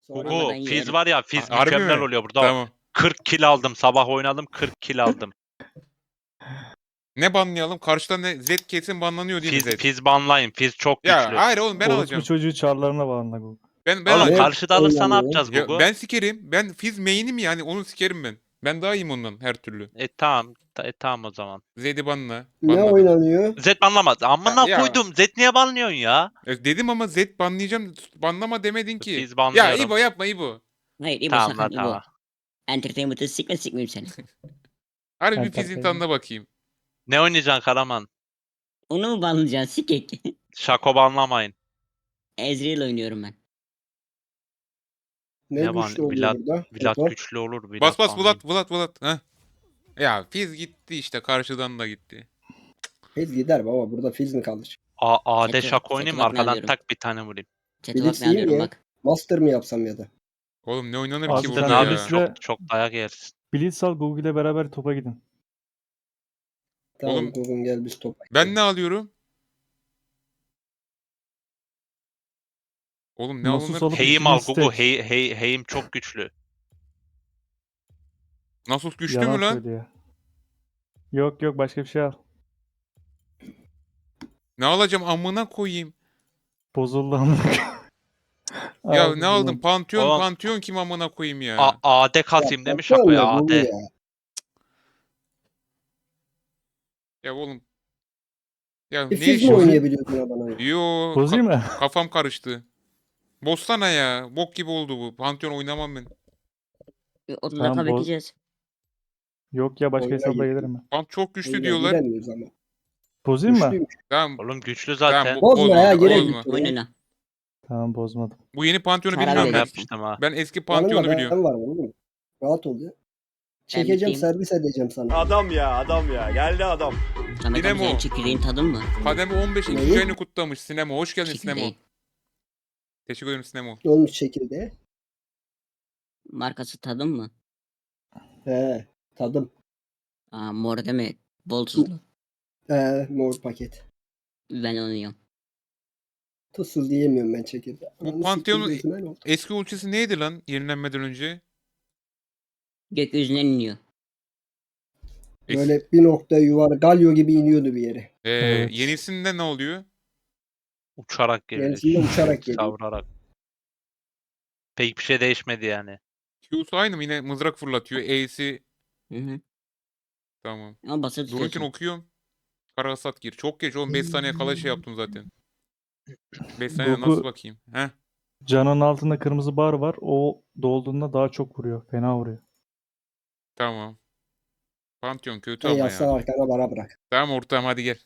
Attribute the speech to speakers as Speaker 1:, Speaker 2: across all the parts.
Speaker 1: Sonra
Speaker 2: Ama ben
Speaker 3: Gugu, Fizz
Speaker 2: yerim.
Speaker 3: var ya, Fizz
Speaker 1: Harbi
Speaker 3: mükemmel
Speaker 1: mi?
Speaker 3: oluyor burada.
Speaker 1: Tamam.
Speaker 3: 40 kill aldım. Sabah oynadım 40 kill aldım.
Speaker 1: Ne banlayalım? Karşıda ne? Zed kesin banlanıyor değil mi Zed?
Speaker 3: Fizz banlayın. Fizz çok
Speaker 1: Ya
Speaker 3: güçlü.
Speaker 1: hayır oğlum ben
Speaker 4: Orospu
Speaker 1: alacağım.
Speaker 4: çocuğu çarlarına bağlı Gugu.
Speaker 1: Ben
Speaker 3: Oğlum
Speaker 1: alacağım.
Speaker 3: karşıda alırsa ne
Speaker 5: oynanıyor?
Speaker 3: yapacağız
Speaker 1: Ya,
Speaker 3: Gugu?
Speaker 1: ben sikerim. Ben Fizz main'im yani onu sikerim ben. Ben daha iyiyim ondan her türlü.
Speaker 3: Tamam. Tamam o zaman.
Speaker 1: Zed'i banla.
Speaker 5: Ne
Speaker 1: Banladım.
Speaker 5: oynanıyor?
Speaker 3: Zed banlamaz. Amına
Speaker 1: Ya.
Speaker 3: koydum. Zed niye banlıyorsun ya?
Speaker 1: Dedim ama Zed banlayacağım. Banlama demedin ki.
Speaker 3: Fizz
Speaker 1: Ya
Speaker 3: banlıyorum.
Speaker 1: İbo yapma İbo.
Speaker 2: Hayır İbo
Speaker 3: Tamam
Speaker 2: sakın
Speaker 3: lan
Speaker 2: İbo.
Speaker 3: tamam.
Speaker 2: Entertainment'ı sikmeyeyim seni.
Speaker 1: Harbi bir
Speaker 4: Ben
Speaker 1: Fizz'in
Speaker 4: takayım.
Speaker 1: tadına bakayım.
Speaker 3: Ne oynayacaksın Karaman?
Speaker 2: Onu mu banlayacaksın sikek?
Speaker 3: Şako banlamayın.
Speaker 2: Ezreal oynuyorum ben.
Speaker 5: Ne
Speaker 3: Ne var?
Speaker 5: güçlü oluyor burada?
Speaker 3: Vlad
Speaker 5: Toto.
Speaker 3: güçlü olur. Vlad
Speaker 1: Bas
Speaker 3: banlayın.
Speaker 1: Vlad. Heh. Ya Fizz gitti işte karşıdan da gitti.
Speaker 5: Fizz gider baba. Burada Fizz mi kalır?
Speaker 3: AD
Speaker 2: Chat'e-
Speaker 3: Şako oynayayım mı?
Speaker 2: chat'e bak ne
Speaker 3: Arkadan
Speaker 2: alıyorum.
Speaker 3: tak bir tane vurayım.
Speaker 2: Chat'e bak
Speaker 5: Blitz
Speaker 2: ne
Speaker 5: iyi mi
Speaker 2: alıyorum
Speaker 5: ya?
Speaker 2: bak.
Speaker 5: Master mı yapsam ya da?
Speaker 1: Oğlum ne oynanır
Speaker 4: Abi
Speaker 1: ki
Speaker 4: sen
Speaker 1: burada
Speaker 3: Abi
Speaker 1: ya?
Speaker 4: Blitz'le-
Speaker 3: çok dayak yersin.
Speaker 4: Blitz al Gugu ile beraber topa gidin.
Speaker 5: Tamam
Speaker 1: Oğlum-
Speaker 5: Gugun gel biz topa.
Speaker 1: Ben ne alıyorum? Oğlum ne
Speaker 4: Nasus
Speaker 1: alınır?
Speaker 4: alıp
Speaker 3: Heim
Speaker 4: ikili
Speaker 3: al
Speaker 4: istek.
Speaker 3: Gugu. Heim çok güçlü.
Speaker 1: Nasus güçlü
Speaker 4: Yalan
Speaker 1: mü lan?
Speaker 4: söylüyor. Yok başka bir şey al.
Speaker 1: Ne alacağım amına koyayım.
Speaker 4: Bozuldu amına.
Speaker 1: Ya
Speaker 4: Al
Speaker 1: ne
Speaker 4: Gugu.
Speaker 1: aldım? Pantheon,
Speaker 3: Oğlum-
Speaker 1: Pantheon kim amına koyayım ya?
Speaker 3: AD kasayım değil mi
Speaker 5: Bakıyor
Speaker 3: Şako'ya?
Speaker 5: musun Gugu
Speaker 3: AD.
Speaker 5: ya?
Speaker 1: Ya oğlum. Ya
Speaker 5: Bir
Speaker 1: ne
Speaker 5: Fizz mi
Speaker 1: işin?
Speaker 5: oynayabiliyorsun ya bana?
Speaker 1: Yo
Speaker 4: Bozayım mı?
Speaker 1: kafam karıştı. Bozsana ya. Bok gibi oldu bu. Pantheon oynamam ben.
Speaker 2: 30
Speaker 4: Tamam,
Speaker 2: dakika
Speaker 4: boz-
Speaker 2: bekleyeceğiz.
Speaker 4: Yok ya başka
Speaker 5: Oyuna
Speaker 4: hesapla
Speaker 5: gir.
Speaker 4: gelirim ben.
Speaker 1: Pant çok güçlü
Speaker 5: Oyuna
Speaker 1: diyorlar.
Speaker 5: giremiyoruz ama.
Speaker 4: Bozayım mı?
Speaker 5: Güçlüymüş.
Speaker 1: Tamam.
Speaker 3: Oğlum güçlü
Speaker 1: Tamam,
Speaker 3: zaten.
Speaker 5: Bozma ya, gerek
Speaker 1: bozma.
Speaker 5: yok.
Speaker 2: Oyununa.
Speaker 4: Tamam bozmadım.
Speaker 1: Bu yeni Pantheon'u
Speaker 2: Karar
Speaker 1: bilmiyorum
Speaker 3: Ben
Speaker 1: ben.
Speaker 2: vereceksin.
Speaker 3: yapmıştım ha.
Speaker 1: Ben eski
Speaker 5: Yanımda
Speaker 1: Pantheon'u biliyorum.
Speaker 5: ben var oğlum. Rahat ol ya. Çekeceğim,
Speaker 2: biteyim.
Speaker 5: servis edeceğim sana.
Speaker 6: Adam ya. Geldi adam.
Speaker 2: Samet abi
Speaker 1: Dinamo.
Speaker 2: senin çekirdeğin tadın mı?
Speaker 1: Kademe 15
Speaker 5: Neyi?
Speaker 1: ikinci ayını kutlamış. Sinemo. Hoş geldin Sinemo.
Speaker 2: Çekirdeği.
Speaker 1: Teşekkür ederim Sinemo.
Speaker 5: Ne olmuş çekirdeğe?
Speaker 2: Markası tadın mı?
Speaker 5: He, tadım.
Speaker 2: Mor deme. Bol tuzlu.
Speaker 5: Mor paket.
Speaker 2: Ben onu yiyorum.
Speaker 5: Tuzsuz diyemiyorum ben çekirdeği.
Speaker 1: Bu
Speaker 5: Ananı
Speaker 1: Pantheon'un-
Speaker 5: sikeyim, gözüme ne oldu?
Speaker 1: Eski ultisi neydi lan yenilenmeden önce?
Speaker 2: Gökyüzünden iniyor.
Speaker 5: Böyle bir nokta yuvarı galyo gibi iniyordu bir yere.
Speaker 4: Evet.
Speaker 1: Yenisinde ne oluyor?
Speaker 3: Uçarak geliyor.
Speaker 5: Yenisinde uçarak geliyor.
Speaker 3: Savurarak. Pek bir şey değişmedi yani.
Speaker 1: Q'su aynı mı? Yine mızrak fırlatıyor. E'si
Speaker 2: Hı hı.
Speaker 1: tamam.
Speaker 2: Ama basılı
Speaker 1: Dururken
Speaker 2: tutuyorsun.
Speaker 1: okuyorum. Kara hasat gir. Çok geç oğlum. 5 saniye kala şey yaptım zaten. 5 saniye
Speaker 4: Goku-
Speaker 1: nasıl bakayım? Heh.
Speaker 4: Canın altında kırmızı bar var. O dolduğunda daha çok vuruyor. Fena vuruyor.
Speaker 1: Tamam. Pantheon kötü
Speaker 5: Hey
Speaker 1: ama
Speaker 5: yaslan
Speaker 1: ya.
Speaker 5: arkana bana bırak.
Speaker 1: Tamam ortağım hadi gel.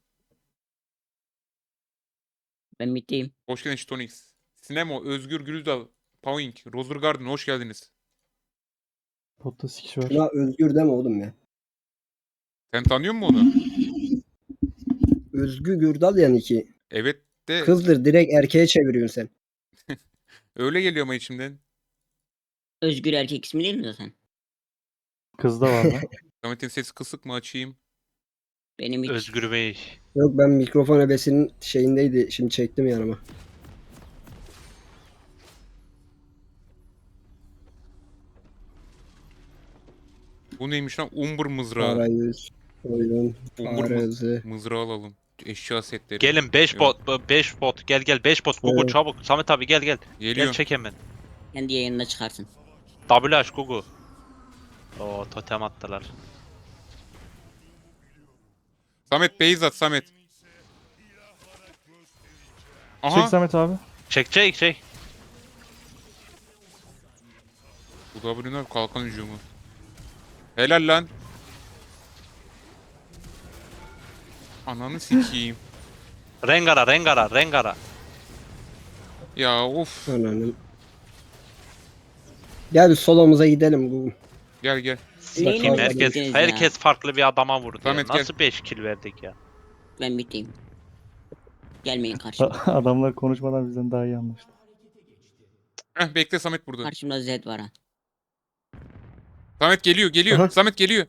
Speaker 2: Ben bitteyim.
Speaker 1: Hoş geldin Şitonix. Sinemo, Özgür Gülüzdal, Pawing, Roser Garden hoş geldiniz.
Speaker 4: Potta sikiş var.
Speaker 5: Şuna özgür deme oğlum ya.
Speaker 1: Sen tanıyor musun onu?
Speaker 5: Özgür Gürdal yani ki.
Speaker 1: Evet de
Speaker 5: Kızdır, direkt erkeğe çeviriyorsun sen.
Speaker 1: öyle geliyor ama içimden.
Speaker 2: Özgür erkek ismi değil mi zaten?
Speaker 4: Kız da var lan.
Speaker 1: Samet'in sesi kısık mı açayım?
Speaker 2: Benim hiç.
Speaker 3: Özgür Bey.
Speaker 5: Yok, ben mikrofon ebesinin şeyindeydi. Şimdi çektim yanıma.
Speaker 1: Bu neymiş lan? Umbur mızrağı.
Speaker 5: Arayüz, oyun,
Speaker 1: Umbur
Speaker 5: fare hızı.
Speaker 1: mızrağı alalım. Eşya setleri.
Speaker 3: Gelin 5
Speaker 1: Yok.
Speaker 3: bot. 5 bot. Gel 5 bot. Gugu
Speaker 5: Evet.
Speaker 3: çabuk. Samet abi gel. Gel
Speaker 1: Geliyor.
Speaker 3: çek hemen.
Speaker 2: Kendi yayınına çıkarsın.
Speaker 3: WH Gugu. Oo totem attılar.
Speaker 1: Samet beyz at Samet.
Speaker 4: Çek
Speaker 1: Aha.
Speaker 4: Samet abi.
Speaker 3: Çek.
Speaker 1: Bu W'nin kalkan hücumu. Helal lan. Ananı sikeyim.
Speaker 3: Rengara.
Speaker 1: Ya of.
Speaker 5: Ananın. Gel bir solomuza gidelim Google.
Speaker 1: Gel.
Speaker 3: Sikiyim
Speaker 2: Neyle
Speaker 3: herkes
Speaker 2: bittiniz ya?
Speaker 3: herkes farklı bir adama vurdu. Ya.
Speaker 1: Samet, gel.
Speaker 3: Nasıl 5 kill verdik ya?
Speaker 2: Ben bitteyim. Gelmeyin karşıma.
Speaker 4: Adamlar konuşmadan bizden daha iyi anlaştı.
Speaker 1: Heh, bekle Samet burada.
Speaker 2: Karşımda Zed var ha.
Speaker 1: Samet geliyor.
Speaker 5: Aha.
Speaker 1: Samet geliyor.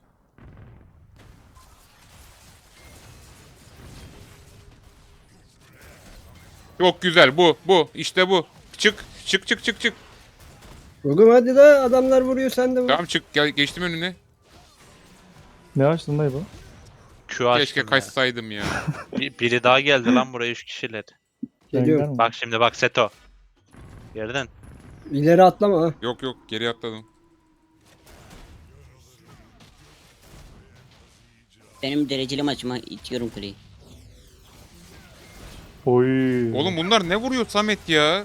Speaker 1: Çok güzel bu. İşte bu. Çık.
Speaker 5: Gugum hadi de adamlar vuruyor sen de vur.
Speaker 1: Tamam çık gel, geçtim önüne.
Speaker 4: Ne açtın dayı bu?
Speaker 3: Q açtım
Speaker 1: Keşke
Speaker 3: ya.
Speaker 1: kaçsaydım ya.
Speaker 3: Biri daha geldi lan buraya 3 kişiler.
Speaker 5: Geliyorum.
Speaker 4: Rengar mı?
Speaker 3: Bak şimdi bak Seto. Yerden.
Speaker 5: İleri atlama ha.
Speaker 1: Yok yok geri atladım.
Speaker 2: Benim dereceli maçıma itiyorum kuleyi.
Speaker 4: Oy.
Speaker 1: Oğlum bunlar ne vuruyor Samet ya?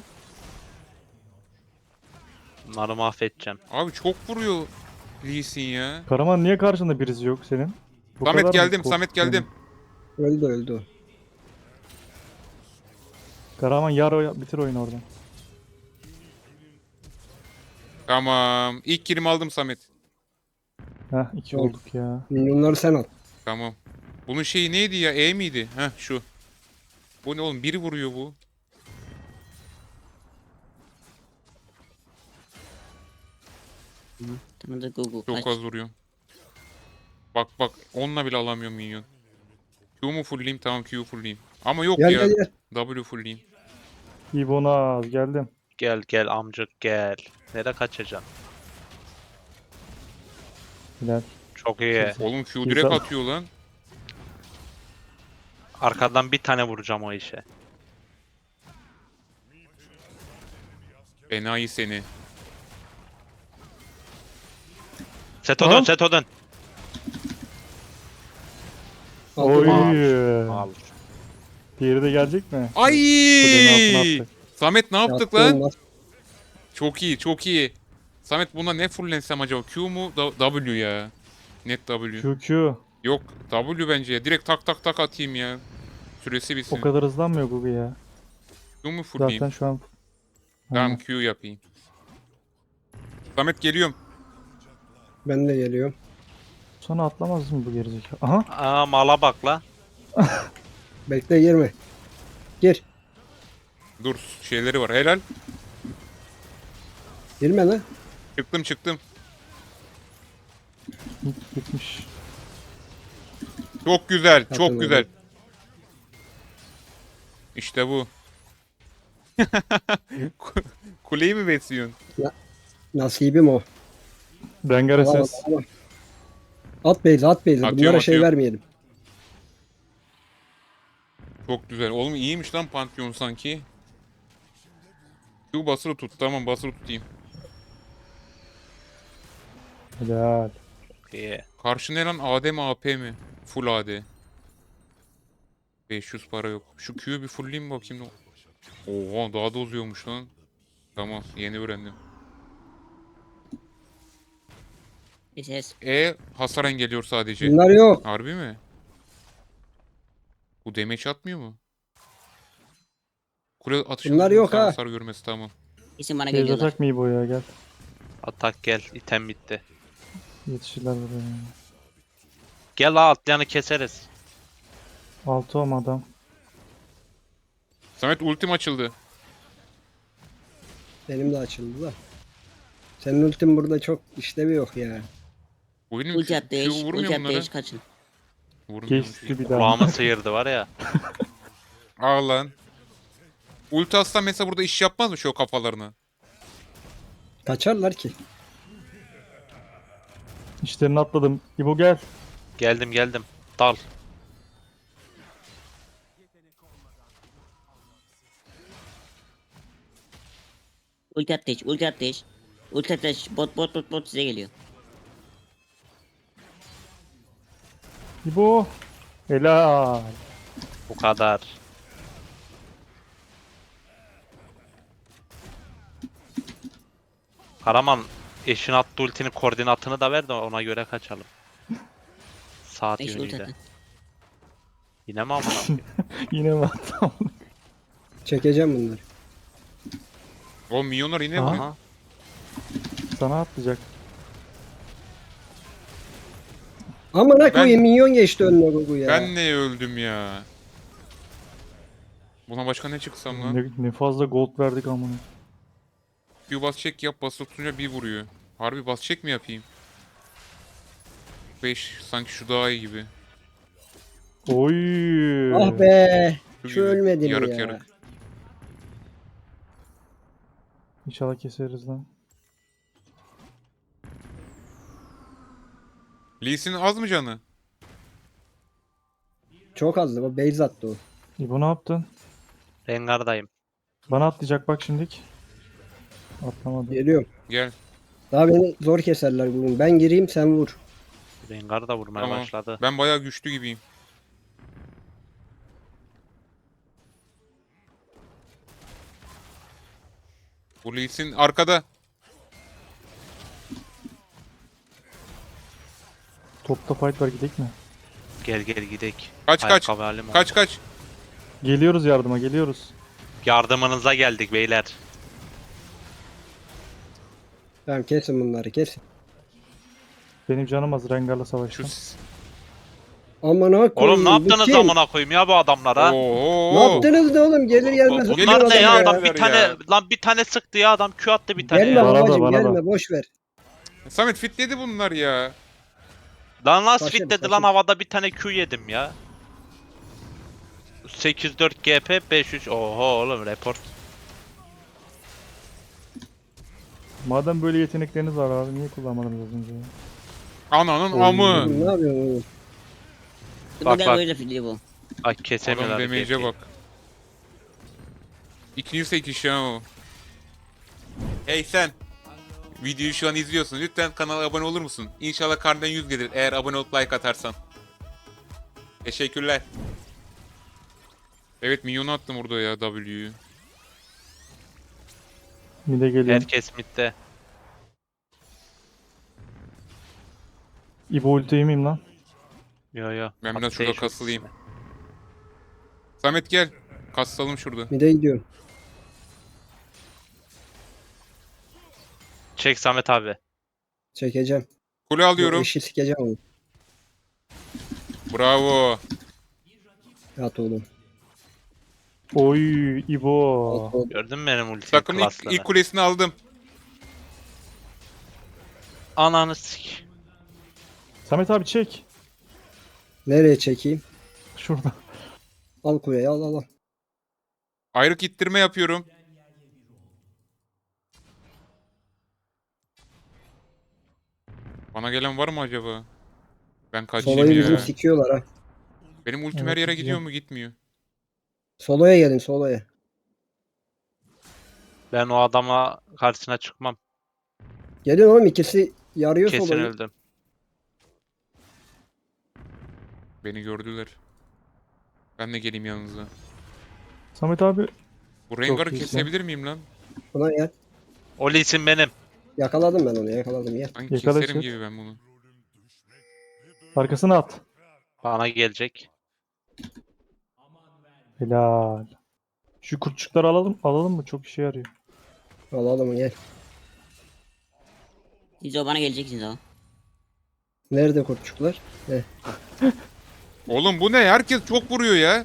Speaker 3: Bunları mahvedeceğim.
Speaker 1: Abi çok vuruyor Lee Sin ya.
Speaker 4: Karaman niye karşında birisi yok senin? Bu kadar
Speaker 1: Samet
Speaker 4: mı
Speaker 1: geldim,
Speaker 4: korktun?
Speaker 1: Samet geldim.
Speaker 5: Öldü o.
Speaker 4: Karaman bitir oyunu oradan.
Speaker 1: Tamam. İlk kilimi aldım Samet.
Speaker 4: Heh 2
Speaker 5: Oldu.
Speaker 4: olduk ya.
Speaker 5: Minyonları sen al.
Speaker 1: Tamam. Bunun şeyi neydi ya? E miydi? Heh şu. Bu ne oğlum? Biri vuruyor bu.
Speaker 2: Tanıdık Gugu
Speaker 1: Çok
Speaker 2: kaç.
Speaker 1: az vuruyor. Bak bak. Onunla bile alamıyorum minyon. Q mu fullleyeyim? Tamam Q'yu fullleyeyim. Ama yok
Speaker 5: Gel
Speaker 1: ya.
Speaker 5: gel gel.
Speaker 1: W fullleyeyim.
Speaker 4: İbonaz geldim.
Speaker 3: Gel gel amcık gel. Nereye kaçacaksın?
Speaker 4: Hilal.
Speaker 3: Çok iyi.
Speaker 1: Oğlum Q
Speaker 4: Güzel.
Speaker 1: direkt atıyor lan.
Speaker 3: Arkadan bir tane vuracağım o işe.
Speaker 1: Enayi seni.
Speaker 3: Seto
Speaker 4: Tamam.
Speaker 3: dön Seto dön.
Speaker 4: Oy.
Speaker 3: Al.
Speaker 4: Diğeri de gelecek mi?
Speaker 1: Ay!
Speaker 4: Kulenin altına attık.
Speaker 1: Samet ne yaptık
Speaker 5: Yaptığın
Speaker 1: lan?
Speaker 5: laf.
Speaker 1: Çok iyi, çok iyi. Samet buna ne fulllensem acaba? Q mu? W ya. Net W.
Speaker 4: QQ.
Speaker 1: Yok W bence ya. Direkt tak tak tak atayım ya. Süresi
Speaker 4: O
Speaker 1: bitsin.
Speaker 4: kadar hızlanmıyor Gugu ya.
Speaker 1: Q mu fullleyeyim?
Speaker 4: Zaten şu an...
Speaker 1: Tamam
Speaker 4: Aynen.
Speaker 1: Q yapayım. Samet geliyorum.
Speaker 5: Ben de geliyorum.
Speaker 4: Sonra atlamaz mı bu gerizekalı? Aha.
Speaker 3: Aa mala bak la.
Speaker 5: Bekle girme. Gir.
Speaker 1: Dur şeyleri var. Helal.
Speaker 5: Girme lan.
Speaker 1: Çıktım çıktım.
Speaker 4: Gitmiş.
Speaker 1: Çok güzel.
Speaker 5: Zaten
Speaker 1: Çok
Speaker 5: öyle.
Speaker 1: güzel. İşte bu. Kuleyi mi besliyorsun?
Speaker 5: Nasibim o.
Speaker 4: Rengar
Speaker 5: Tamam,
Speaker 4: SS.
Speaker 5: tamam. At beyzi at beyzi.
Speaker 1: Atıyorum,
Speaker 5: Bunlara şey
Speaker 1: atıyorum.
Speaker 5: vermeyelim.
Speaker 1: Çok güzel. Oğlum iyiymiş lan Pantheon sanki. Q basılı tut. Tamam basılı tutayım.
Speaker 4: Helal.
Speaker 3: İyi.
Speaker 1: Karşı ne lan? AD mi AP mi? Full AD. 500 para yok. Şu Q'yu bir fullleyeyim bakayım. Oha daha da uzuyormuş lan. Tamam yeni öğrendim.
Speaker 2: SS.
Speaker 1: Hasar engelliyor sadece.
Speaker 5: Bunlar yok.
Speaker 1: Harbi mi? Bu damage atmıyor mu? Kule atışı
Speaker 5: Bunlar yok ha.
Speaker 1: hasar görmesi tamam.
Speaker 2: Kesin bana
Speaker 4: Beyz
Speaker 2: geliyorlar.
Speaker 4: atak mı İbo ya gel.
Speaker 3: Atak gel. İtem bitti.
Speaker 4: Yetişirler buraya.
Speaker 3: Gel la atlayanı keseriz.
Speaker 4: 6 adam.
Speaker 1: Samet ultim açıldı.
Speaker 5: Benim de açıldı da. Senin ultin burada çok işlevi yok ya.
Speaker 1: Bu benim
Speaker 2: Ulti
Speaker 1: Q,
Speaker 2: attı
Speaker 1: Q
Speaker 2: eş.
Speaker 1: vurmuyor
Speaker 2: Ulti attı
Speaker 1: bunlara.
Speaker 2: eş kaçın.
Speaker 1: Vurmuyormuş.
Speaker 4: Geçti bir daha.
Speaker 3: Kulağımı sıyırdı var ya.
Speaker 1: Aa lan. Ulti atsa mesela burada iş yapmaz mı şu kafalarına?
Speaker 5: Kaçarlar ki.
Speaker 4: İşlerini atladım. İbo gel.
Speaker 3: Geldim geldim. Dal.
Speaker 2: Ulti attı eş. Ulti attı eş. Ulti attı eş. Bot size geliyor.
Speaker 4: İbo. Helal.
Speaker 3: Bu kadar. Karaman eşin attığı ultinin koordinatını da ver de ona göre kaçalım. Saat
Speaker 2: Eş ulti
Speaker 3: yönüyle.
Speaker 2: attı.
Speaker 3: Yine mi amına koyayım?
Speaker 4: Yine mi attım?
Speaker 5: Çekeceğim bunları.
Speaker 1: O milyonlar yine
Speaker 4: Aha.
Speaker 1: vuruyor.
Speaker 3: Aha.
Speaker 4: Sana atlayacak.
Speaker 5: Amına koyayım minyon geçti önüne Gugu ya.
Speaker 1: Ben ne öldüm ya. Buna başka ne çıksam lan?
Speaker 4: Ne fazla gold verdik amına.
Speaker 1: Q bas çek yap basılı tutunca bir vuruyor. Harbi bas çek mi yapayım? 5 sanki şu daha iyi gibi.
Speaker 4: Oy.
Speaker 5: Ah be.
Speaker 1: Şu
Speaker 5: Şu
Speaker 1: gibi.
Speaker 5: ölmedi mi
Speaker 1: Yarık
Speaker 5: ya?
Speaker 1: yarık.
Speaker 4: İnşallah keseriz lan.
Speaker 1: Lee Sin az mı canı?
Speaker 5: Çok azdı. O base attı o.
Speaker 4: İbo ne yaptın?
Speaker 3: Rengar'dayım.
Speaker 4: Bana atlayacak bak şimdik. Atlamadı.
Speaker 5: Geliyorum.
Speaker 1: Gel.
Speaker 5: Daha beni zor keserler bugün. Ben gireyim sen vur.
Speaker 3: Rengar da vurmaya
Speaker 1: Tamam.
Speaker 3: başladı.
Speaker 1: Ben bayağı güçlü gibiyim. Bu Lee Sin arkada.
Speaker 4: Topta fight var gidek mi?
Speaker 3: Gel gel gidek.
Speaker 1: Kaç kaç.
Speaker 3: Ayakkabı halim
Speaker 1: Kaç
Speaker 3: oldu.
Speaker 1: kaç.
Speaker 4: Geliyoruz yardıma geliyoruz.
Speaker 3: Yardımınıza geldik beyler.
Speaker 5: Tamam kesin bunları kesin.
Speaker 4: Benim canım az Rengar'la
Speaker 1: Şu
Speaker 4: savaştım.
Speaker 5: Aman ha
Speaker 3: Oğlum ne yaptınız
Speaker 5: kim?
Speaker 3: amına koyayım ya bu adamlara?
Speaker 1: Oo.
Speaker 5: Ne yaptınız da oğlum? Gelir gelmez.
Speaker 1: Geliyor
Speaker 3: Bunlar ne ya
Speaker 1: adam
Speaker 3: adam bir
Speaker 1: ya.
Speaker 3: tane lan bir tane sıktı ya adam Q attı bir tane
Speaker 5: Gelme
Speaker 3: ya.
Speaker 4: Bana da,
Speaker 5: babacım
Speaker 4: bana da.
Speaker 5: gelme boş ver.
Speaker 1: Samet fitledi bunlar ya.
Speaker 3: Lan nasıl
Speaker 5: Taşım,
Speaker 3: fit dedi
Speaker 5: taşım.
Speaker 3: lan havada bir tane Q yedim ya. 8-4 GP 5-3 oho oğlum report.
Speaker 4: Madem böyle yetenekleriniz var abi niye kullanmadınız az önce? ya?
Speaker 1: Ananın
Speaker 4: Oy.
Speaker 1: amı.
Speaker 5: Ne yapıyorsun oğlum?
Speaker 3: Bak,
Speaker 2: Bu da
Speaker 3: bak.
Speaker 2: böyle fili bu.
Speaker 3: Ay
Speaker 1: Adam
Speaker 3: kesemiyorlar.
Speaker 1: damage'e bak. İkinci sekiş ya o. Hey sen. Videoyu şu an izliyorsun. Lütfen kanala abone olur musun? İnşallah karnından 100 gelir eğer abone olup like atarsan. Teşekkürler. Evet minyonu attım orada ya W'yu.
Speaker 4: Mide geliyor.
Speaker 3: Herkes midde.
Speaker 4: İbo ulti yemeyeyim lan.
Speaker 3: Yo yo.
Speaker 1: Ben biraz
Speaker 3: Atlayış
Speaker 1: şurada
Speaker 3: ultisi.
Speaker 1: kasılayım. Samet gel. Kassalım şurada.
Speaker 5: Mide gidiyorum.
Speaker 3: Çek Samet abi.
Speaker 5: Çekeceğim.
Speaker 1: Kule alıyorum.
Speaker 5: İşi sikeceğim onu.
Speaker 1: Bravo.
Speaker 5: At oğlum.
Speaker 4: Oy İbo.
Speaker 5: At oğlum.
Speaker 3: Gördün mü benim ulti
Speaker 1: Takımın
Speaker 3: klaslığını?
Speaker 1: ilk kulesini aldım.
Speaker 3: Ananı sik.
Speaker 4: Samet abi çek.
Speaker 5: Nereye çekeyim?
Speaker 4: Şurada.
Speaker 5: Al kuleyi al al al.
Speaker 1: Ayrık ittirme yapıyorum. Bana gelen var mı acaba? Ben kaçayım
Speaker 5: Solayı bizim
Speaker 1: ya.
Speaker 5: sikiyorlar ha.
Speaker 1: Benim ultim
Speaker 4: Evet,
Speaker 1: her yere
Speaker 4: güzel.
Speaker 1: gidiyor mu gitmiyor.
Speaker 5: Solaya gelin solaya.
Speaker 3: Ben o adama karşısına çıkmam.
Speaker 5: Gelin oğlum ikisi yarıyor
Speaker 3: Kesin
Speaker 5: solayı.
Speaker 3: öldüm.
Speaker 1: Beni gördüler. Ben de geleyim yanınıza.
Speaker 4: Samet abi
Speaker 1: Bu Rengar'ı
Speaker 4: iyisin.
Speaker 1: kesebilir miyim lan?
Speaker 5: Buna gel.
Speaker 3: O Lee'sin benim.
Speaker 5: Yakaladım ben onu yakaladım gel.
Speaker 1: Sanki
Speaker 4: Yakala
Speaker 1: keserim
Speaker 4: çık.
Speaker 1: gibi ben bunu.
Speaker 4: arkasına at.
Speaker 3: Bana gelecek.
Speaker 4: Helal. Şu kurtçukları alalım mı? Çok işe yarıyor.
Speaker 5: Alalım gel.
Speaker 2: Siz o bana geleceksiniz o.
Speaker 5: Nerede kurtçuklar? Heh.
Speaker 1: Oğlum bu ne? Herkes çok vuruyor ya.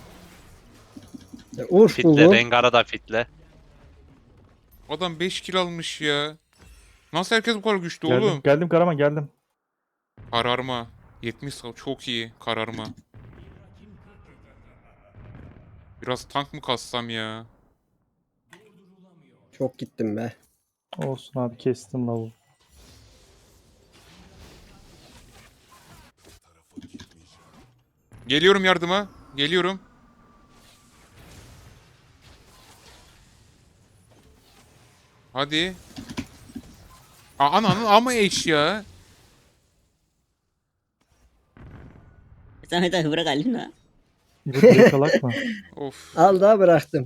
Speaker 5: Urf
Speaker 3: Fitle
Speaker 5: bu.
Speaker 3: Rengar'a da fitle.
Speaker 1: Adam 5 kill almış ya. Nasıl herkes bu kadar güçlü
Speaker 4: Geldim,
Speaker 1: oğlum?
Speaker 4: geldim Karaman geldim.
Speaker 1: Kararma. 70 çok iyi kararma. Biraz tank mı kassam ya?
Speaker 5: Çok gittim be.
Speaker 4: Olsun abi kestim lavu.
Speaker 1: Geliyorum yardıma. Geliyorum. Hadi. Ananın ama eş ya.
Speaker 2: Samet abi bırak halini ha.
Speaker 4: İbo direkt kalak mı?
Speaker 1: Of.
Speaker 5: Al daha bıraktım.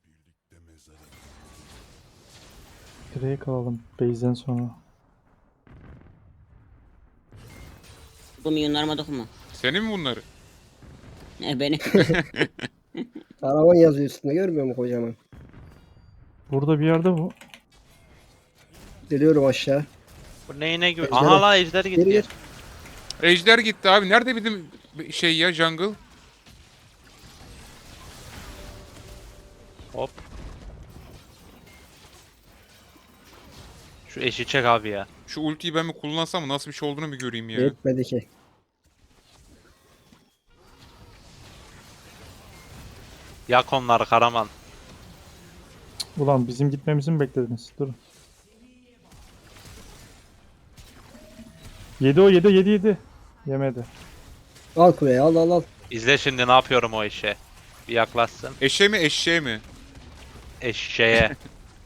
Speaker 4: Direkt kalalım base'den sonra.
Speaker 2: Bu milyonlarıma dokunma.
Speaker 1: Senin mi bunları?
Speaker 2: Beni.
Speaker 5: Karavan yazıyor üstünde görmüyor musun kocaman?
Speaker 4: Burada bir yerde bu.
Speaker 5: Geliyorum aşağı.
Speaker 3: Bu neyine gibi?
Speaker 5: Ejder-
Speaker 3: Aha la ejder
Speaker 5: Geri
Speaker 3: gitti.
Speaker 5: gir.
Speaker 1: Ejder gitti abi. Nerede bizim şey ya jungle?
Speaker 3: Hop. Şu eşi çek abi ya.
Speaker 1: Şu ultiyi ben mi kullansam nasıl bir şey olduğunu bir göreyim ya.
Speaker 5: Yetmedi ki.
Speaker 3: Yak onları Karaman.
Speaker 4: Ulan bizim gitmemizi mi beklediniz? Durun. Yedi o yedi. Yemedi.
Speaker 5: Al kuleyi al.
Speaker 3: İzle şimdi ne yapıyorum o işe. Bir yaklaşsın.
Speaker 1: Eşeğe mi?
Speaker 3: Eşeğe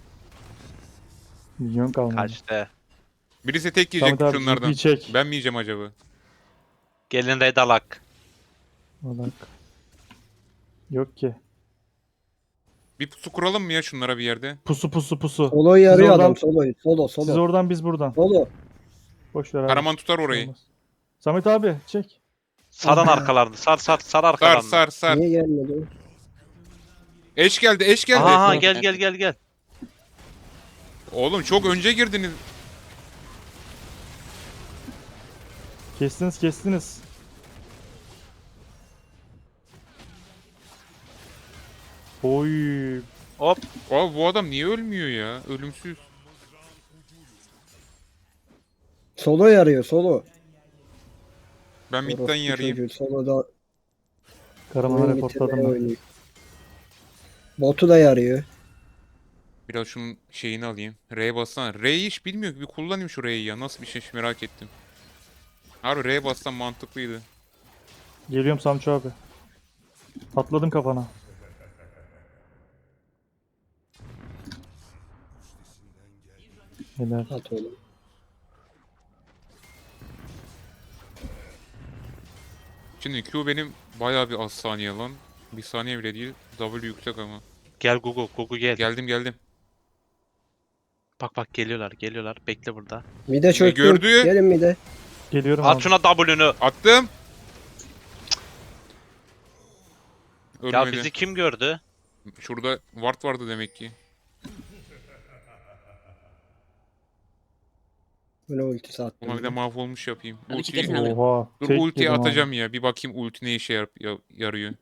Speaker 4: Milyon kalmadı.
Speaker 3: kaçtı.
Speaker 1: Birisi tek
Speaker 4: Samet
Speaker 1: yiyecek
Speaker 4: abi
Speaker 1: şunlardan.
Speaker 4: GP çek.
Speaker 1: Ben mi yiyeceğim acaba?
Speaker 3: Gelin Redalak.
Speaker 4: Bak. Yok ki.
Speaker 1: Bir pusu kuralım mı ya şunlara bir yerde?
Speaker 4: Pusu.
Speaker 5: Solo'yu
Speaker 4: Siz
Speaker 5: yarıyor
Speaker 4: oradan-
Speaker 5: adam. Solo.
Speaker 4: Siz oradan biz buradan.
Speaker 5: Solo.
Speaker 4: Boş ver abi.
Speaker 1: Karaman tutar orayı.
Speaker 4: Olmaz. Samet abi çek.
Speaker 3: Sarın arkalarını. Sar
Speaker 1: Sar
Speaker 3: arkalarını.
Speaker 1: sar.
Speaker 5: Niye gelmedi o?
Speaker 1: Eş geldi.
Speaker 3: Aha gel.
Speaker 1: Oğlum çok önce girdiniz.
Speaker 4: Kestiniz. Oy.
Speaker 3: Hop.
Speaker 1: Abi bu adam niye ölmüyor ya? Ölümsüz.
Speaker 5: Solo yarıyor Solo.
Speaker 1: Ben midden
Speaker 5: Orospu
Speaker 1: yarayım.
Speaker 5: çocuğu, Solo da
Speaker 4: Karaman'ı
Speaker 5: oyun
Speaker 4: reportladım
Speaker 5: bitirmeye
Speaker 4: ben.
Speaker 5: oynuyor. Botu da yarıyor.
Speaker 1: Biraz şunun şeyini alayım. R'ye bassana. R'yi hiç bilmiyor ki. Bir kullanayım şu R'yi ya. Nasıl bir şey merak ettim. Harbi R'ye bassam mantıklıydı.
Speaker 4: Geliyorum Samço abi. Atladım kafana. Helal.
Speaker 5: At oğlum.
Speaker 1: Şimdi Q benim bayağı bir az saniye lan. Bir saniye bile değil. W yüksek ama.
Speaker 3: Gel Gugu gel.
Speaker 1: Geldim.
Speaker 3: Bak geliyorlar. Bekle burada.
Speaker 5: Mide çöktüm.
Speaker 1: gördü?
Speaker 5: Gelin mide.
Speaker 4: Geliyorum
Speaker 3: At
Speaker 4: abi.
Speaker 3: şuna W'nü.
Speaker 1: Attım.
Speaker 3: Ya
Speaker 1: Ölmedi.
Speaker 3: bizi kim gördü?
Speaker 1: Şurada ward vardı demek ki.
Speaker 5: Bu ne ultisi attım.
Speaker 1: Ama bir de mahvolmuş yapayım.
Speaker 2: Abi
Speaker 1: Ultiyi-
Speaker 2: çekersene abi.
Speaker 4: Oha.
Speaker 1: Dur
Speaker 4: tek
Speaker 1: ultiyi
Speaker 4: yedim abi.
Speaker 1: atacağım ya. Bir bakayım ulti ne işe yarıyor.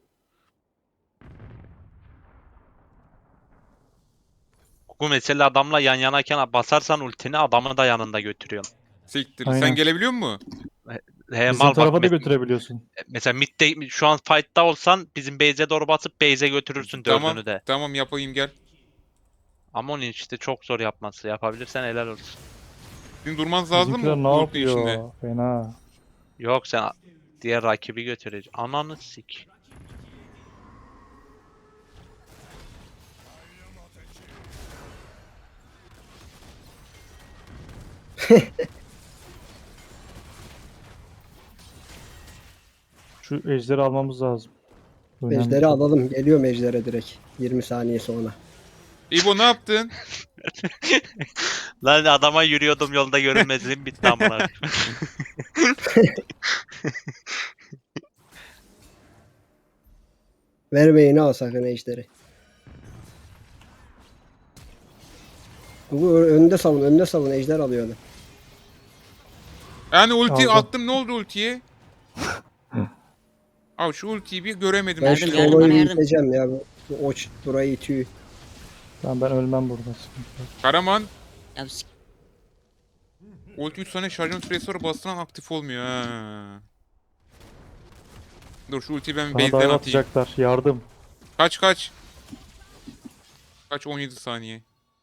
Speaker 3: Gugu mesela adamla yan yanayken basarsan ultini adamı da yanında götürüyorsun.
Speaker 1: Siktir.
Speaker 4: Aynen.
Speaker 1: Sen gelebiliyor musun?
Speaker 3: He,
Speaker 4: Bizim
Speaker 3: mal
Speaker 4: tarafa
Speaker 3: bak
Speaker 4: da götürebiliyorsun.
Speaker 3: mesela midde şu an fight'ta olsan bizim base'e doğru basıp base'e götürürsün
Speaker 1: Tamam.
Speaker 3: dördünü de.
Speaker 1: Tamam yapayım gel.
Speaker 3: Ama onun işte çok zor yapması. Yapabilirsen helal olsun.
Speaker 1: Sizin durmanız lazım
Speaker 4: Bizimkiler
Speaker 1: mı?
Speaker 4: ne
Speaker 1: Ulti
Speaker 4: yapıyor?
Speaker 1: içinde.
Speaker 4: Fena.
Speaker 3: Yok sen diğer rakibi götüreceksin. Ananı sik.
Speaker 4: Şu ejderi almamız lazım. Önemli.
Speaker 5: Ejderi alalım. Geliyorum ejdere direkt. 20 saniye sonra.
Speaker 1: İbo ne yaptın?
Speaker 3: Lan adama yürüyordum yolda görünmezliğim bitti amına.
Speaker 5: Vermeyin al sakın ejderi. Bu önünde savun ejder alıyor adam.
Speaker 1: Yani ulti
Speaker 4: Aldım.
Speaker 1: attım ne oldu ultiye? Abi şu ultiyi bir göremedim.
Speaker 5: Ben
Speaker 2: Yardım,
Speaker 5: şu
Speaker 1: Şimdi
Speaker 2: yardım,
Speaker 5: Solo'yu
Speaker 2: bana yardım.
Speaker 5: iteceğim ya. Bu oç burayı itiyor.
Speaker 4: Ben ölmem burada. Sıkıntı yok.
Speaker 1: Karaman
Speaker 2: Ya
Speaker 1: ulti 3 saniye şarjın süresi sonra bastıran aktif olmuyor ha. Dur şu ultiyi ben
Speaker 4: Bana
Speaker 1: base'den
Speaker 4: dive
Speaker 1: atayım.
Speaker 4: atacaklar. Yardım.
Speaker 1: Kaç. Kaç 17 saniye.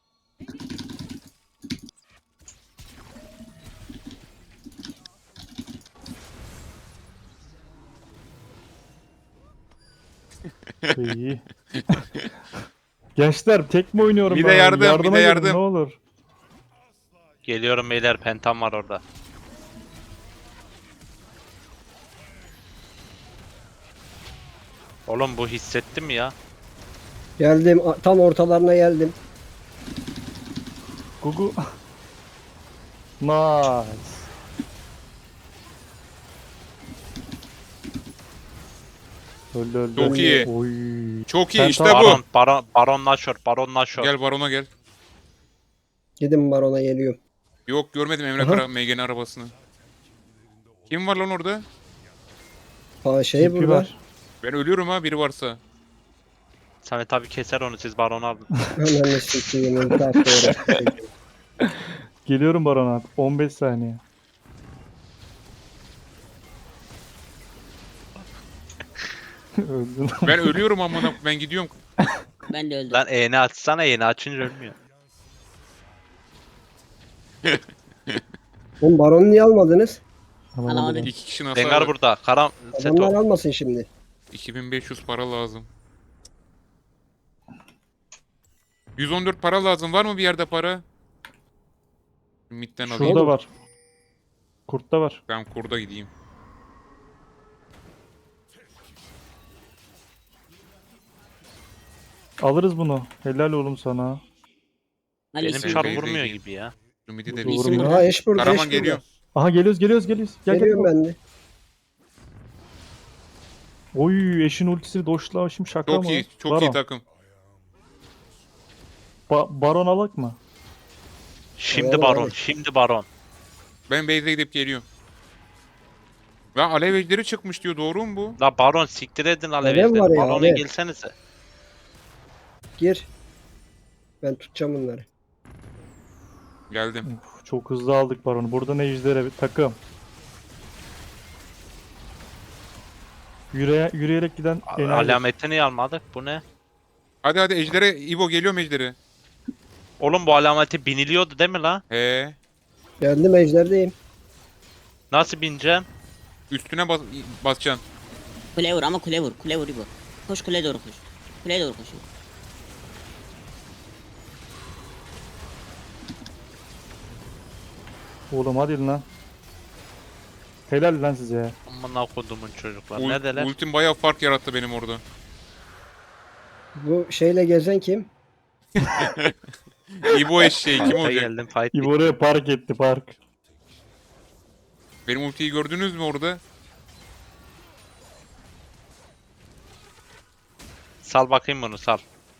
Speaker 4: İyi. Gençler tek mi oynuyorum
Speaker 1: Bir de
Speaker 4: ben?
Speaker 1: yardım, bir
Speaker 4: Yardıma
Speaker 1: de
Speaker 4: gelin,
Speaker 1: yardım.
Speaker 4: ne olur.
Speaker 3: Geliyorum beyler pentam var orada. Oğlum bu hissettim mi ya?
Speaker 5: Geldim tam ortalarına geldim.
Speaker 4: Gugu. Nice. Öldü.
Speaker 1: Çok iyi.
Speaker 4: Oy.
Speaker 1: Çok iyi
Speaker 4: Ben
Speaker 1: işte
Speaker 4: tamam.
Speaker 1: bu.
Speaker 3: Baron Nashor.
Speaker 1: Gel barona gel.
Speaker 5: Gidin barona geliyorum.
Speaker 1: Yok görmedim Emre
Speaker 5: Aha.
Speaker 1: Kara Megan'in arabasını. Kim var lan orada?
Speaker 5: Şey
Speaker 4: TP
Speaker 5: burada.
Speaker 4: var.
Speaker 1: Ben ölüyorum ha biri varsa.
Speaker 3: Samet abi keser onu siz Baron'u alın.
Speaker 5: Hemen sikiyim. Ulti attı oraya.
Speaker 4: Geliyorum Baron abi. 15 saniye. Öldün.
Speaker 1: Ben ölüyorum amına ben gidiyorum.
Speaker 2: ben de öldüm.
Speaker 3: Lan E'ni açsana E'ni açınca ölmüyor.
Speaker 5: Oğlum baronu niye almadınız?
Speaker 2: Alamadım.
Speaker 1: 2 kişi nasıl
Speaker 3: Rengar
Speaker 1: alır?
Speaker 3: burada. Karam
Speaker 5: Adamlar
Speaker 3: Seto.
Speaker 5: almasın şimdi.
Speaker 1: 2500 para lazım. 114 para lazım. Var mı bir yerde para? Mid'den alayım.
Speaker 4: Şurada var. Kurtta var.
Speaker 1: Ben kurda gideyim.
Speaker 4: Alırız bunu. Helal oğlum sana.
Speaker 3: Benim
Speaker 2: Alice
Speaker 3: çar
Speaker 1: Bey,
Speaker 3: vurmuyor
Speaker 1: Bey.
Speaker 3: gibi ya.
Speaker 1: Şu midi de
Speaker 4: Doğru.
Speaker 1: bir.
Speaker 2: İsim burada.
Speaker 5: Aha eş burada,
Speaker 1: Karaman
Speaker 5: eş
Speaker 1: geliyor.
Speaker 5: burada.
Speaker 4: Aha geliyoruz. Gel
Speaker 5: Geliyorum
Speaker 4: gel.
Speaker 5: ben de.
Speaker 4: Oy eşin ultisini doşla şimdi şaka
Speaker 1: Çok
Speaker 4: mı?
Speaker 1: iyi. Çok
Speaker 4: Baron.
Speaker 1: iyi takım.
Speaker 4: Baron alak mı?
Speaker 3: Şimdi
Speaker 5: Tamam,
Speaker 3: baron.
Speaker 5: hadi.
Speaker 3: Şimdi baron.
Speaker 1: Ben base'e gidip geliyorum. Ya alev ejderi çıkmış diyor. Doğru mu bu?
Speaker 3: La baron siktir edin
Speaker 5: Alev
Speaker 3: alevizleri.
Speaker 5: var ya,
Speaker 3: Barona
Speaker 5: alev.
Speaker 3: gelsenize.
Speaker 5: Gir. Ben tutacağım bunları.
Speaker 1: Geldim.
Speaker 4: Uf, çok hızlı aldık Baron'u. Burada ne ejderha bir takım. Yürüyerek giden enayi.
Speaker 3: Alametini almadık. Bu ne?
Speaker 1: Hadi hadi ejdere. İbo geliyorum ejdere.
Speaker 3: Oğlum bu alameti biniliyordu değil mi la?
Speaker 1: He.
Speaker 5: Geldim, ejderdeyim.
Speaker 3: Nasıl bineceğim?
Speaker 1: Üstüne basacaksın.
Speaker 2: Kule vur ama kule vur. Kule vur bu. Koş kuleye doğru koş. Kuleye doğru koş.
Speaker 4: Oğlum hadi lan. Helal lan size ya.
Speaker 3: Amına kodumun çocuklar. Ne deler?
Speaker 1: Ultim bayağı fark yarattı benim orada.
Speaker 5: Bu şeyle gezen kim?
Speaker 1: İbo eşeği kim
Speaker 3: Ben
Speaker 1: olacak?
Speaker 3: geldim fight.
Speaker 4: İbo oraya park etti park.
Speaker 1: Benim ultiyi gördünüz mü orada?
Speaker 3: Sal bakayım bunu sal.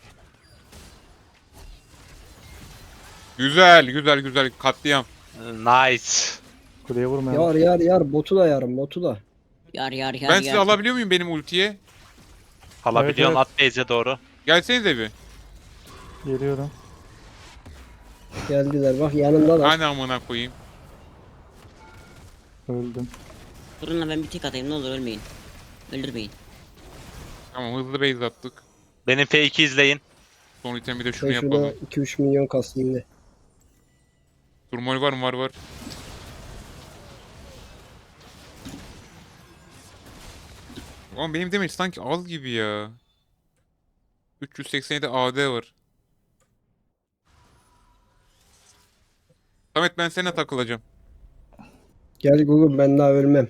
Speaker 1: Güzel güzel güzel katliam.
Speaker 3: Nice.
Speaker 4: Kuleye vurmayalım.
Speaker 5: Yar botu da yarım, botu da.
Speaker 2: Yar yar yar
Speaker 1: Ben
Speaker 2: yar.
Speaker 1: sizi alabiliyor muyum benim ultiye?
Speaker 3: Alabiliyorsun
Speaker 4: Evet,
Speaker 3: at base'e doğru.
Speaker 1: Gelsenize bir.
Speaker 4: Geliyorum.
Speaker 5: Geldiler bak, yanımdalar.
Speaker 1: Hani amına koyayım.
Speaker 4: Öldüm.
Speaker 2: Durun lan ben bir tek atayım ne olur ölmeyin. Öldürmeyin.
Speaker 1: Tamam hızlı base attık.
Speaker 3: Benim F2 izleyin.
Speaker 1: Son itemi de şunu
Speaker 5: Ben şurada
Speaker 1: yapalım.
Speaker 5: 2-3 milyon kasayım da.
Speaker 1: Turmol var mı? Var. Ama benim demek sanki az gibi ya. 387 AD var. Samet ben seninle takılacağım.
Speaker 5: Gel Google, ben daha ölmem.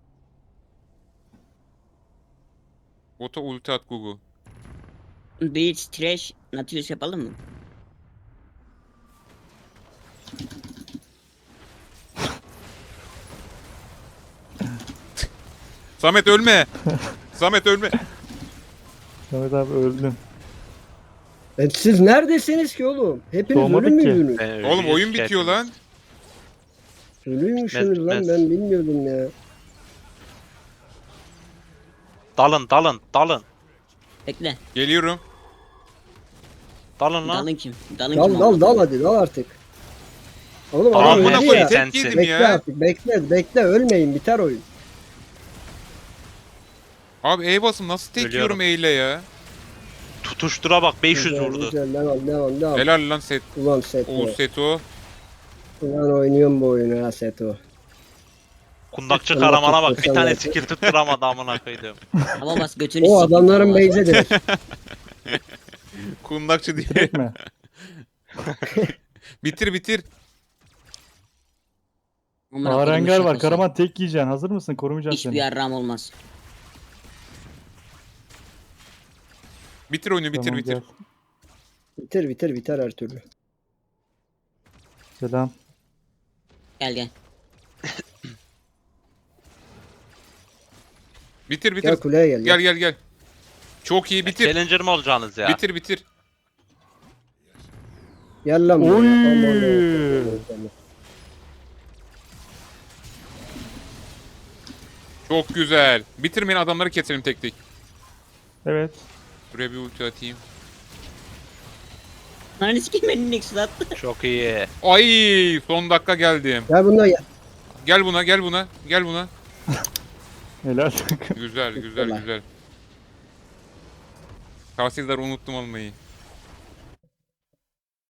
Speaker 1: Bota ulti at Gugu.
Speaker 2: Blitz, Trash, Nautilus yapalım mı?
Speaker 1: Samet ölme. Samet ölme.
Speaker 4: Samet abi öldün.
Speaker 5: Siz neredesiniz ki oğlum? Hepiniz
Speaker 4: Doğmadık
Speaker 5: ölü
Speaker 4: ki.
Speaker 5: müydünüz?
Speaker 3: Ben
Speaker 1: Oğlum oyun
Speaker 3: şikayet
Speaker 1: bitiyor lan.
Speaker 5: Ölüymüşsünüz lan,
Speaker 3: Bitmez.
Speaker 5: ben bilmiyordum ya.
Speaker 3: Dalın.
Speaker 2: Bekle.
Speaker 1: Geliyorum.
Speaker 3: Dalın lan.
Speaker 2: Dalın kim? Dalın
Speaker 5: Dal
Speaker 2: kim?
Speaker 5: dal dal hadi, dal artık. Oğlum
Speaker 3: Tamam,
Speaker 5: adam
Speaker 3: amına
Speaker 1: Amına
Speaker 5: öldü
Speaker 1: koyayım
Speaker 5: ya.
Speaker 3: sen-
Speaker 1: tek yedim
Speaker 5: Bekle
Speaker 1: ya.
Speaker 5: artık, bekle ölmeyin, biter oyun.
Speaker 1: Abi E basım nasıl tek
Speaker 3: Ölüyorum.
Speaker 1: yiyorum E ile ya.
Speaker 3: Tutuştura bak 500
Speaker 5: Güzel,
Speaker 3: vurdu.
Speaker 5: güzel, devam.
Speaker 1: Helal lan set.
Speaker 5: Ulan Seto.
Speaker 1: Oğuz Seto.
Speaker 5: Ulan oynuyorum bu oyunu ha Seto.
Speaker 3: Kundakçı
Speaker 5: Allah
Speaker 3: Karaman'a bak bir
Speaker 5: tuttursan
Speaker 3: tane
Speaker 5: ya.
Speaker 3: skill tutturamadı amına koydum.
Speaker 2: Hava bas götünü
Speaker 5: O
Speaker 2: sikeyim,
Speaker 5: adamların
Speaker 2: hava bas.
Speaker 5: beyzedir.
Speaker 1: Kundakçı diye.
Speaker 4: Direkt mi?
Speaker 1: bitir.
Speaker 2: Amına kodumun
Speaker 4: Arengar var.
Speaker 2: şakası.
Speaker 4: Karaman tek yiyeceksin. Hazır mısın? Korumayacağım
Speaker 2: Hiçbir
Speaker 4: seni.
Speaker 2: yarram olmaz.
Speaker 1: Bitir oyunu bitir.
Speaker 4: Tamam,
Speaker 5: Biter her türlü.
Speaker 4: Selam.
Speaker 2: Gel.
Speaker 1: Bitir.
Speaker 5: Gel kuleye gel.
Speaker 1: Gel. Çok iyi bitir.
Speaker 3: Challenger mı olacaksınız ya?
Speaker 1: Bitir.
Speaker 5: Gel lan
Speaker 4: Oy!
Speaker 5: buraya. Aman.
Speaker 1: Çok güzel. Bitirmeyin adamları keselim tek tek.
Speaker 4: Evet.
Speaker 1: Buraya bir ulti atayım.
Speaker 2: Lan sikeyim beni Nexus attı.
Speaker 3: Çok iyi.
Speaker 1: Ay son dakika geldim.
Speaker 5: Gel bunda gel.
Speaker 1: Gel buna.
Speaker 4: Helal.
Speaker 1: Güzel. Tahsildar unuttum almayı.